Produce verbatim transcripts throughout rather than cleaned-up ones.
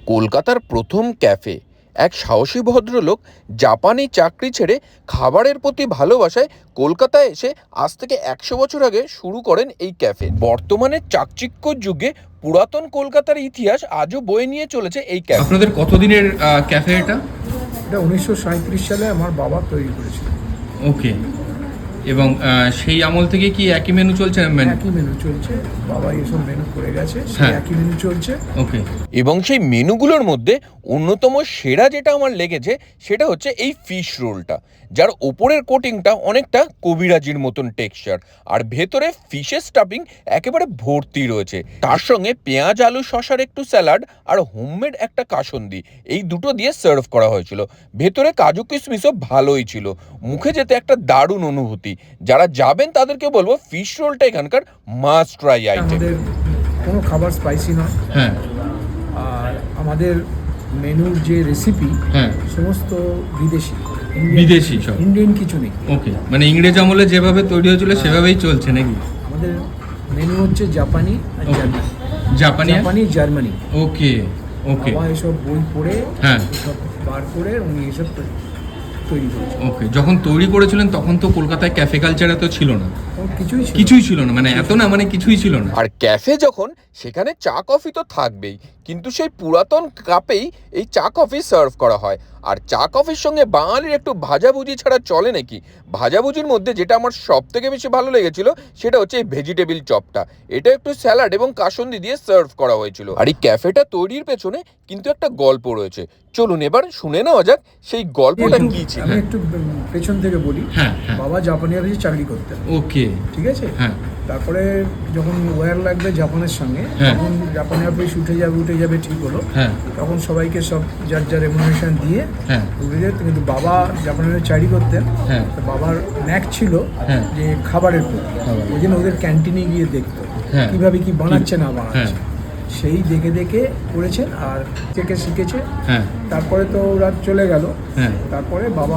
কলকাতার প্রথম ক্যাফে। এক সাহসী ভদ্রলোক জাপানি চাকরি ছেড়ে খাবারের প্রতি ভালোবাসায় কলকাতায় এসে আজ থেকে একশো বছর আগে শুরু করেন এই ক্যাফে। বর্তমানে চাকচিক্য যুগে পুরাতন কলকাতার ইতিহাস আজও বয়ে নিয়ে চলেছে এই ক্যাফে। আপনাদের কতদিনের ক্যাফে এটা? এটা উনিশশো সাঁইত্রিশ সালে আমার বাবা তৈরি করেছিল। ওকে। এবং সেই আমল থেকে কি একই মেনু চলছে? একই মেনু চলছে, বাবা এসব মেনু করে গেছে, সেই একই মেনু চলছে। ওকে। এবং সেই মেনুগুলোর মধ্যে অন্যতম সেরা যেটা আমার লেগেছে সেটা হচ্ছে এই ফিশ রোলটা, যার ওপরের কোটিংটা অনেকটা কবিরাজির মতন টেক্সচার, আর ভেতরে ফিশের স্টাফিং একেবারে ভর্তি রয়েছে। তার সঙ্গে পেঁয়াজ আলু শসার একটু স্যালাড আর হোমমেড একটা কাসুন্দি, এই দুটো দিয়ে সার্ভ করা হয়েছিল। ভেতরে কাজু কিশমিশও ভালোই ছিল। মুখে যেতে একটা দারুণ অনুভূতি। যারা যাবেন তাদেরকে বলবো ফিশ রোলটা এখানকার মাস্ট ট্রাই আইটেম। আমাদের কোনো খাবার স্পাইসি নয়। হ্যাঁ। আর আমাদের মেনুর যে রেসিপি হ্যাঁ সমস্ত বিদেশি, বিদেশি সব, ইন্ডিয়ান কিছু নেই। ওকে, মানে ইংরেজ আমলে যেভাবে তৈরি হয়েছিল সেভাবেই চলছে নাকি? আমাদের মেনু হচ্ছে জাপানি আর জার্মানি। জাপানি জাপানি জার্মানি। ওকে ওকে। বাবা এসব বই পড়ে হ্যাঁ এসব বার করে উনি এসব তৈরি করেছেন। ওকে। যখন তৈরি করেছিলেন তখন তো কলকাতায় ক্যাফে কালচার এত ছিল না, কিছুই কিছুই ছিল না, মানে এত না, মানে কিছুই ছিল না। আর ক্যাফে যখন, সেখানে চা কফি তো থাকবেই, কিন্তু সেই পুরাতন কাপেই এই চা কফি সার্ভ করা হয়। আর চা কফির সঙ্গে বাঙালির একটু ভাজাভুজি ছাড়া চলে নাকি? ভাজাভুজির মধ্যে যেটা আমার সব থেকে বেশি ভালো লেগেছিল সেটা হচ্ছে এই ভেজিটেবিল চপটা। এটা একটু স্যালাড এবং কাসুন্দি দিয়ে সার্ভ করা হয়েছিল। আর এই ক্যাফেটা তৈরির পেছনে কিন্তু একটা গল্প রয়েছে। চলুন এবার শুনে নেওয়া যাক সেই গল্পটা কি ছিল। আমি একটু পেছন থেকে বলি। হ্যাঁ। বাবা জাপানি অফিসে চাকরি করতেন। ওকে। ঠিক আছে। হ্যাঁ। তারপরে যখন ওয়্যার লাগবে জাপানের সঙ্গে, তখন জাপানি অফিস উঠে যাবে উঠে যাবে ঠিক হলো। হ্যাঁ। তখন সবাইকে সব যার যার রেমুনারেশন দিয়ে হ্যাঁ উঠে যেত, কিন্তু বাবা জাপানি অফিসে চাকরি করতেন। হ্যাঁ। বাবার ন্যাক ছিল যে খাবারের প্রতি, ওই জন্য ওদের ক্যান্টিনে গিয়ে দেখতো কিভাবে কি বানাচ্ছে না বানাচ্ছে, সেই দেখে দেখে করেছেন আর থেকে শিখেছে। হ্যাঁ। তারপরে তো রাত চলে গেল। হ্যাঁ। তারপরে বাবা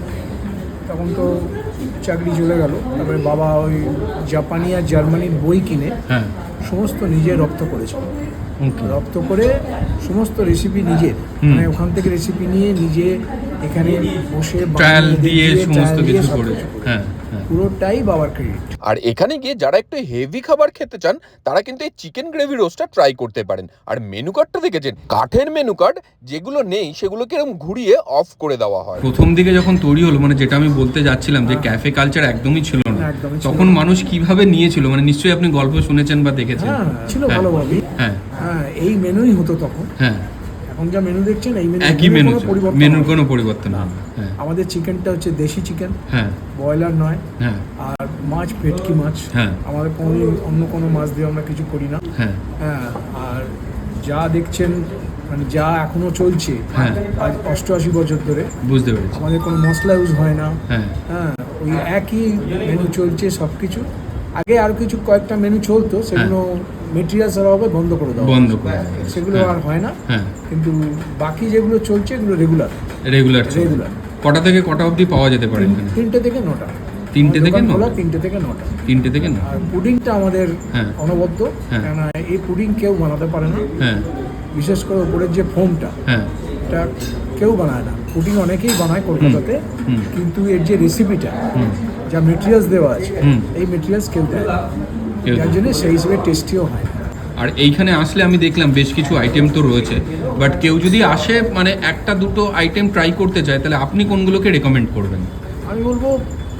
তখন তো চাকরি চলে গেল। তারপরে বাবা ওই জাপানি আর জার্মানির বই কিনে হ্যাঁ সমস্ত নিজে রপ্ত করেছিল। রপ্ত করে সমস্ত রেসিপি নিজের, মানে ওখান থেকে রেসিপি নিয়ে নিজে এখানে বসে ট্রায়াল দিয়ে সমস্ত কিছু করে। হ্যাঁ, পুরোটাই বাবার ক্রেডিট। আর এখানে গিয়ে যারা একটু হেভি খাবার খেতে চান তারা কিন্তু এই চিকেন গ্রেভি রোস্টটা ট্রাই করতে পারেন। আর মেনু কার্ডটা দেখেছেন, কাঠের মেনু কার্ড, যেগুলো নেই সেগুলোকে এরকম ঘুরিয়ে অফ করে দেওয়া হয়। প্রথম দিকে যখন তৈরি হলো, মানে যেটা আমি বলতে যাচ্ছিলাম যে ক্যাফে কালচার একদমই ছিল না, তখন মানুষ কিভাবে নিয়েছিল, মানে নিশ্চয়ই আপনি গল্প শুনেছেন বা দেখেছেন। হ্যাঁ, ছিল ভালোভাবে। হ্যাঁ হ্যাঁ, এই মেনুই হতো তখন। হ্যাঁ। এখন যা মেনু দেখছেন এই মেনু, একই মেনু, পরিবর্তন, মেনুর কোনো পরিবর্তন না। আমাদের চিকেনটা হচ্ছে দেশি চিকেন। হ্যাঁ। ব্রয়লার নয়। হ্যাঁ। আর মাছ ভেটকি মাছ। হ্যাঁ। আমাদের কোনো অন্য কোনো মাছ দিয়ে আমরা কিছু করি না। হ্যাঁ। হ্যাঁ। আর যা দেখছেন, মানে যা এখনো চলছে, হ্যাঁ, আজ অষ্টআশি বছর ধরে, বুঝতে পেরেছি, আমাদের কোনো মশলা ইউজ হয় না। হ্যাঁ। হ্যাঁ, ওই একই মেনু চলছে সব কিছু। আগে আরো কিছু কয়েকটা মেনু চলতো, সেগুলো মেটেরিয়ালসের অভাবে বন্ধ করে দেওয়া বন্ধ করে সেগুলো আর হয় না। হ্যাঁ। কিন্তু বাকি যেগুলো চলছে এগুলো রেগুলার রেগুলার রেগুলার কটা থেকে কটা অবধি পাওয়া যেতে পারে এখানে? তিনটে থেকে নটা। তিনটে থেকে নটা? তিনটে থেকে নটা। তিনটে থেকে না। আর পুডিংটা আমাদের অনবদ্য, কেননা এই পুডিং কেউ বানাতে পারে না। হ্যাঁ। বিশেষ করে উপরের যে ফোমটা, হ্যাঁ, এটা কেউ বানায় না। পুডিং অনেকেই বানায় কলকাতাতে, কিন্তু এর যে রেসিপিটা, যা মেটেরিয়ালস দেওয়া আছে, এই মেটেরিয়ালস কেউ দেয় না, যার জন্য সেই হিসেবে টেস্টিও হয়। আর এইখানে আসলে আমি দেখলাম বেশ কিছু আইটেম তো রয়েছে, বাট কেউ যদি আসে মানে একটা দুটো আইটেম ট্রাই করতে চায়, তাহলে আপনি কোনগুলোকে রেকমেন্ড করবেন? আমি বলবো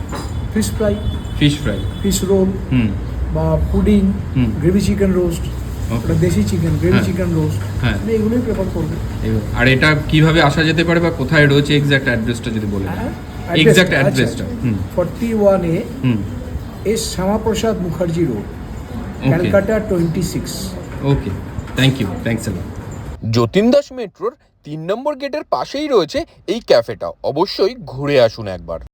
fish fry, fish fry, fish roll, hmm, বা পুডিং, গ্রেভি চিকেন রোস্ট, ওটা দেশি চিকেন, গ্রেভি চিকেন রোস্ট, আমি এগুলোই প্রেফার করবো। আর এটা কিভাবে আসা যেতে পারে বা কোথায় রয়েছে এক্স্যাক্ট অ্যাড্রেসটা যদি বলেন? এক্স্যাক্ট অ্যাড্রেসটা forty one A S Shyamaprasad Mukherjee road, Calcutta twenty six. Okay, thank you, thanks a lot. Jatin Das মেট্রোর তিন নম্বর গেটের পাশেই রয়েছে এই ক্যাফেটা। অবশ্যই ঘুরে আসুন একবার।